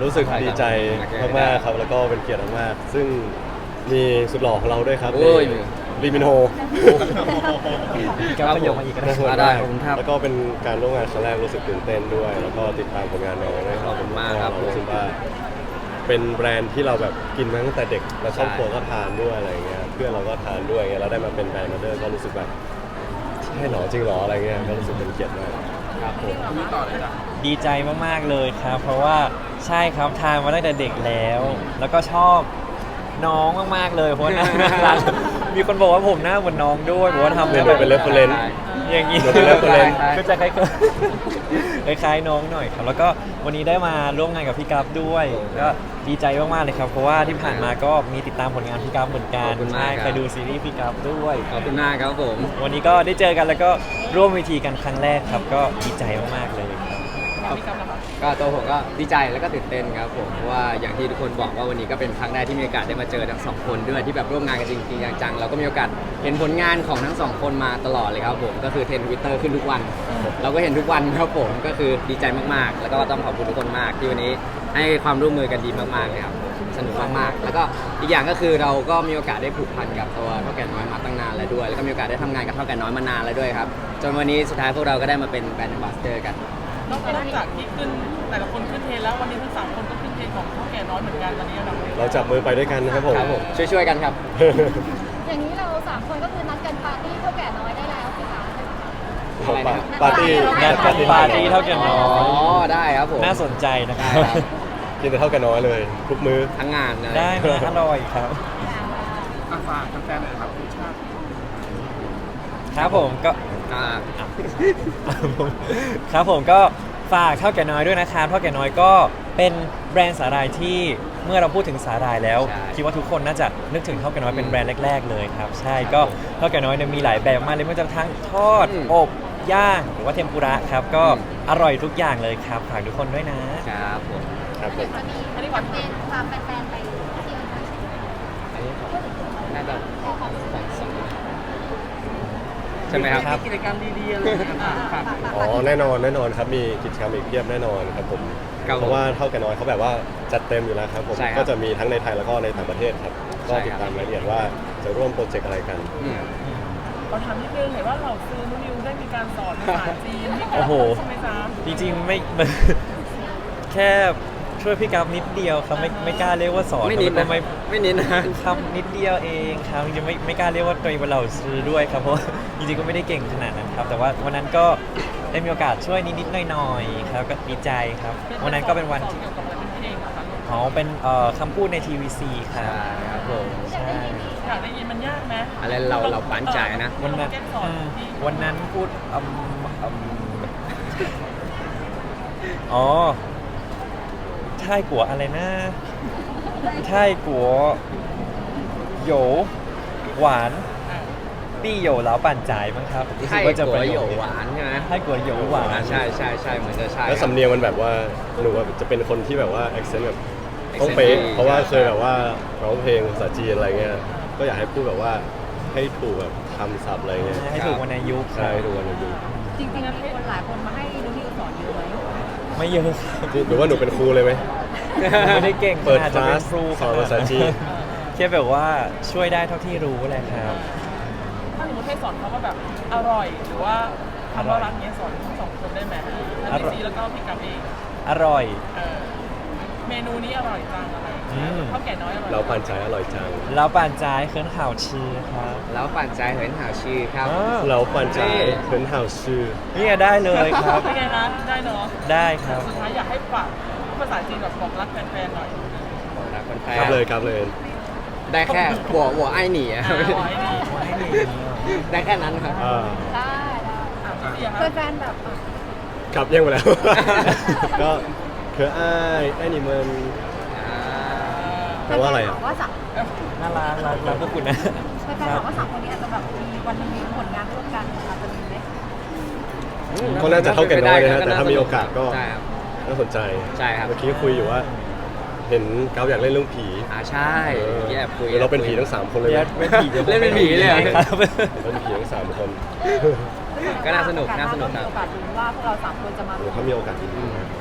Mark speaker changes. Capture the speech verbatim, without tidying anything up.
Speaker 1: รู้สึกดีใจมากๆครับแล้วก็เป็นเกียรติมากๆซึ่งมีสุดหล่อของเราด้วยครับ
Speaker 2: โอ้ย
Speaker 1: ลีมินโฮ
Speaker 3: ครับผม
Speaker 1: น่าสน
Speaker 2: ได้
Speaker 1: มาก
Speaker 2: ขอบคุณครับ
Speaker 1: แล้วก็เป็นการร่วมงานครั้งแรกรู้สึกตื่นเต้นด้วย แล้วก็ติดตามผลงานน้องด้วย
Speaker 2: ขอบคุณมากครับ
Speaker 1: เรู้สึกว่าเป็นแบรนด์ที่เราแบบกินมาตั้งแต่เด็กแล้วครอบครัวก็ทานด้วยอะไรเงี้ยเพื่อนเราก็ทานด้วยเงี้ยเราได้มาเป็นแบรนด์มาเดอร์ก็รู้สึกแบบใช่หรอจริงหรออะไรเงี้ยก็รู้สึกเป็นเกียรติมาก
Speaker 2: ครับผม
Speaker 3: ดีใจมากๆเลยครับ เพราะว่าใช่ครับทานมาตั้งแต่เด็กแล้ว แล้วก็ชอบน้องมากๆเลยเพราะว่าหน้าน่ารักมีคนบอกว่าผมหน้าเหมือนน้องด้วยบอกว่าทำ
Speaker 1: เรีย
Speaker 3: แล้
Speaker 1: น
Speaker 3: ว
Speaker 1: เป็นเรฟเฟรนซ์
Speaker 3: อย่างนี้
Speaker 1: เดี๋ยวเป็น reference
Speaker 3: ก็จะคล้ายๆคล้ายๆน้องหน่อยครับ แล้วก็วันนี้ได้มาร่วมงานกับพี่กัฟด้วยก็ดีใจมากๆเลยครับ เพราะว่าที่ผ่านมาก็มีติดตามผลงานพี่กัฟเหมือนกันใช่เคยดูซีรีส์พี่กัฟด้วย
Speaker 2: ขอบคุณมากครับผม
Speaker 3: วันนี้ก็ได้เจอกันแล้วก็ร่วมเวทีกันครั้งแรกครับ ก็ดีใจมากๆเลยครับ
Speaker 2: ก็ตัวผมก็ดีใจแล้วก็ตื่นเต้นครับผมเพราะว่าอย่างที่ทุกคนบอกว่าวันนี้ก็เป็นครั้งแรกที่มีโอกาสได้มาเจอทั้งสองคนด้วยที่แบบร่วมงานกันจริงๆจังๆเราก็มีโอกาสเห็นผลงานของทั้งสองคนมาตลอดเลยครับผมก็คือเทรนด์ทวิตเตอร์ขึ้นทุกวัน เราก็เห็นทุกวันครับผมก็คือดีใจมากๆ แล้วก็ต้องขอบคุณทุกคนมากที่วันนี้ให้ความร่วมมือกันดีมากๆเลยครับสนุกมากๆแล้วก็อีกอย่างก็คือเราก็มีโอกาสได้ผูกพันกับตัวเท่าแก่น้อยมาตั้งนานแล้วด้วย แล้วก็มีโอกาสได้ทำงานกับเท่าแก่น้อยมานานแล้วด้วยครับจนวันนี้สุดท้ายพวกเราก็ได้มาเป็นแบรนด์แอมบาสเดอร์กัน
Speaker 4: นอกจากที่ขึ้นแต่ละคนขึ้นเทรนแล้ววันนี้ทั้งสามคนก็ขึ้นเทรนของเท่าแก่น้อยเหมือนกันตอนนี้เรา
Speaker 1: เราจับมือไปด้วยกันนะครับผม
Speaker 2: ครับผมช่วยๆกันครับ
Speaker 5: อย่างนี้เราสามคนก็คือนัดกันปาร์ตี้เท่าแก่น้อยได้แล้วสิคะ
Speaker 2: อะไรนะครับ
Speaker 1: ปาร์ตี้
Speaker 3: งานปาร์ตี้ปาร์ตี้เท่าแก่น้อ
Speaker 2: อ๋อย ได้ครับผม
Speaker 3: น่าสนใจนะค
Speaker 2: ได้
Speaker 3: รับ
Speaker 2: ครับ
Speaker 1: กินแต่เท่ากันน้อยเลยทุกมื้อ
Speaker 2: ทั้งงานเลย
Speaker 3: ได้มาอร่อยครับ
Speaker 4: ฝากแฟนๆหน่อยครับคุณชาติ
Speaker 3: ครับผมก็
Speaker 2: อ่า
Speaker 3: ครับผมก็ฝากเท่าแก่น้อยด้วยนะครับเท่าแก่น้อยก็เป็นแบรนด์สาหร่ายที่เมื่อเราพูดถึงสาหร่ายแล้ว คิดว่าทุกคนน่าจะนึกถึงเท่าแก่น้อยเป็นแบรนด์แรกๆเลยครับใช่ก็เท่าแก่น้อยเนี่ยมีหลายแบบมากเลยไม่ว่าจะทั้งทอดอบย่างหรือว่าเทมปุระครับก็อร่อยทุกอย่างเลยครับฝากทุกคนด้วยนะครับ
Speaker 2: ผม
Speaker 1: ครับผ
Speaker 5: เดี๋ยว
Speaker 1: ม
Speaker 5: จะมีแคมเปญพาแฟนๆไปเที่ยวกัน
Speaker 2: อันนี้ของน่าจะของสองใช่ไหมครับ
Speaker 4: มีกิจกรรมดีๆอะไรอย่างเงี้ยฝาก
Speaker 1: อ๋อแน่นอนแน่นอนครับมีกิจกรรมอีกเพียบแน่นอนครับผม
Speaker 2: ครับผม
Speaker 1: เพราะว่าเท่ากันน้อยเขาแบบว่าจัดเต็มอยู่แล้วครับผม
Speaker 2: ใช่ครับ
Speaker 1: ก็จะมีทั้งในไทยแล้วก็ในต่างประเทศครับก็
Speaker 2: ใช่
Speaker 1: ติด
Speaker 2: ครับ
Speaker 1: ตามรายละเอียดว่าจะร่วมโปรเจกต์อะไรกัน
Speaker 2: อืม
Speaker 4: เราถามนิดนึงเห็นว่าเราซื้อนุนิวได้มีการสอนภาษาจีนมีการ
Speaker 3: โอ้โห
Speaker 4: ใช่ไหมจ๊ะ
Speaker 3: จริงๆไม่ แค่ช่วยพี่กัฟนิดเดียวครับไม่ไม่กล้าเรียกว่าสอน
Speaker 2: ไม่นิด
Speaker 3: แล้ว
Speaker 2: นะ
Speaker 3: ก็ไม่
Speaker 2: ไม่นิดนะ
Speaker 3: ครับนิดเดียวเองครับจริงๆไม่ไม่กล้าเรียกว่าตัวเองเป็นเหล่าซื้อด้วยครับเพราะว่าจริงๆก็ไม่ได้เก่งขนาดนั้นครับ แต่ว่าวันนั้นก็ได้มีโอกาสช่วยนิดๆหน่อยๆครับก็ดีใจครับ วันนั้นก็เป็นวัน
Speaker 4: สอเกี่ยวกับอะไรเป็นเพลงเหรอคะ
Speaker 3: อ๋อเป็นเอ่อคำพูดใน ที วี ซี ครั
Speaker 2: ใช่
Speaker 3: บ
Speaker 2: ครับผม
Speaker 3: ใช่
Speaker 4: อยากได้ยินมันยากไหม
Speaker 2: อะไรเราเราปั้นใจนะ
Speaker 3: วันนั้น
Speaker 4: แก้สอน
Speaker 3: อืม
Speaker 4: ที่
Speaker 3: วันนั้นพูดอืมอืมอ๋อใช่กัวอะไรนะใช่กัวโหยวหวานปี้โหยวแล้วปั่นจ่ายมั้งครับรู้สึ
Speaker 2: ไข่
Speaker 3: กว่าจะ
Speaker 2: กั
Speaker 3: เป็น
Speaker 2: วโหยวหวานใช่ไหม
Speaker 3: ให้กัวโหยวหวาน
Speaker 2: อ่าใช่ใช่ใช่เหมือนจะใช่
Speaker 1: แล้วสำเนียงมันแบบว่าหนูว่าจะเป็นคนที่แบบว่า accent แบบต้อง
Speaker 2: accent
Speaker 1: เป๊ะ
Speaker 2: ดี
Speaker 1: เพราะว่า
Speaker 2: ใช่
Speaker 1: เคยแบบว่าร้องเพลงภาษาจีนอะไรเงี้ยก็อยากให้พูดแบบว่าให้ถูกแบบคำศัพท์อะไรเงี้ย
Speaker 3: ให้ถูกวันอายุค
Speaker 1: ใช่
Speaker 3: รับ
Speaker 1: ดูวันอายุ
Speaker 5: จริงๆมีคนหลายคนมาให้นุนิวสอนเยอะไหม
Speaker 3: ไม่เยอะครับ
Speaker 1: หรือว่าหนูเป็นครูเลยไหม
Speaker 3: ไม่ได้เก่ง
Speaker 1: เปิด
Speaker 3: ขนาด
Speaker 1: ค
Speaker 3: จะ
Speaker 1: ลา
Speaker 3: เป็
Speaker 1: ส
Speaker 3: นครู
Speaker 1: สอนภาษาจีน
Speaker 3: แค่แบบว่าช่วยได้เท่าที่รู้แหละครับ
Speaker 4: ถ้าสมมติให้สอนเขาว่าแบบอร่อย หรือว่าคำว่ารักเนี้ยสอนทั้งสองคนได้ไหมทั้งพี่ซีแล้วก็พี่กัมเอง
Speaker 3: อร่อย
Speaker 4: เออเมนูนี้อร่อยจังอะไร
Speaker 3: อืม
Speaker 4: ข้าวแก่น้อยอร่อย
Speaker 1: เราปั่นใจอร่อยจัง
Speaker 3: เราป่านจ่ายเคินข่าวชื่อครับ
Speaker 2: แล้วปั่นใจเหินหาวชื่อครับ
Speaker 3: อ้าว
Speaker 1: เราปั่นใจเป็นห่าวชื่อ
Speaker 3: นี่ได้เลยครับ
Speaker 4: เป็นไงนะได้เนาะ
Speaker 3: ได้ครับ
Speaker 4: สุดท้ายอยากให้ฝากภาษาจีนแบบบอกรักแฟนๆหน่อย
Speaker 2: บอกรักคนแฟ
Speaker 1: ครับ
Speaker 2: น
Speaker 1: เลยครับเลย
Speaker 2: ได้แค่หัวหัวไอ้หนีอะ
Speaker 4: อ่าไว้นี่
Speaker 3: ไว้ดี
Speaker 2: ได้แค่นั้นครับ
Speaker 1: อ่า
Speaker 5: ได้ได้
Speaker 4: อ่ะพี่ซีอะ
Speaker 5: เพื่
Speaker 4: คะ
Speaker 5: อนแฟนแบบอ่ะ
Speaker 1: ครับแย่งไปแล้ว ก็คืออ้ายไอ้นี่มันแปลว่าอะไรอ่ะ
Speaker 5: แฟนๆบกว่าสาม
Speaker 3: น่ารักรักรักพวกคุณนะ
Speaker 5: แฟนๆบอกว่าสามคนนี้อาจจะแบบมีวันหนึงมีผลงานร่วมกันอาจจะมีไหม
Speaker 1: ก็น่าจะเท่ากันน้อยนะฮะแต่ถ้ามีโอกาสก็
Speaker 2: ใช่ครับ
Speaker 1: น่าสนใจ
Speaker 2: ใช่ครับ
Speaker 1: เมื่อกี้คุยอยู่ว่า เห็นเกาอยากเล่นเรื่องผี
Speaker 2: อ่าใช่
Speaker 1: เออ
Speaker 2: แยบคุย
Speaker 1: เดี๋ยวเราเป็นผีทั้งสามคนเลย
Speaker 3: เล่
Speaker 1: นะ
Speaker 3: นเป็นผีดี๋ยวผม
Speaker 2: เล่นเป็นผีเลยเหรอ
Speaker 3: ครับ
Speaker 1: เป็นผีทั้งสามคน
Speaker 2: ก็น่าสนุกน่าสนุกครับ
Speaker 5: มีโอกาสดูว่าพวกเราสามคนจะมา
Speaker 1: เดี๋ยวเขามีโอกาสดีๆ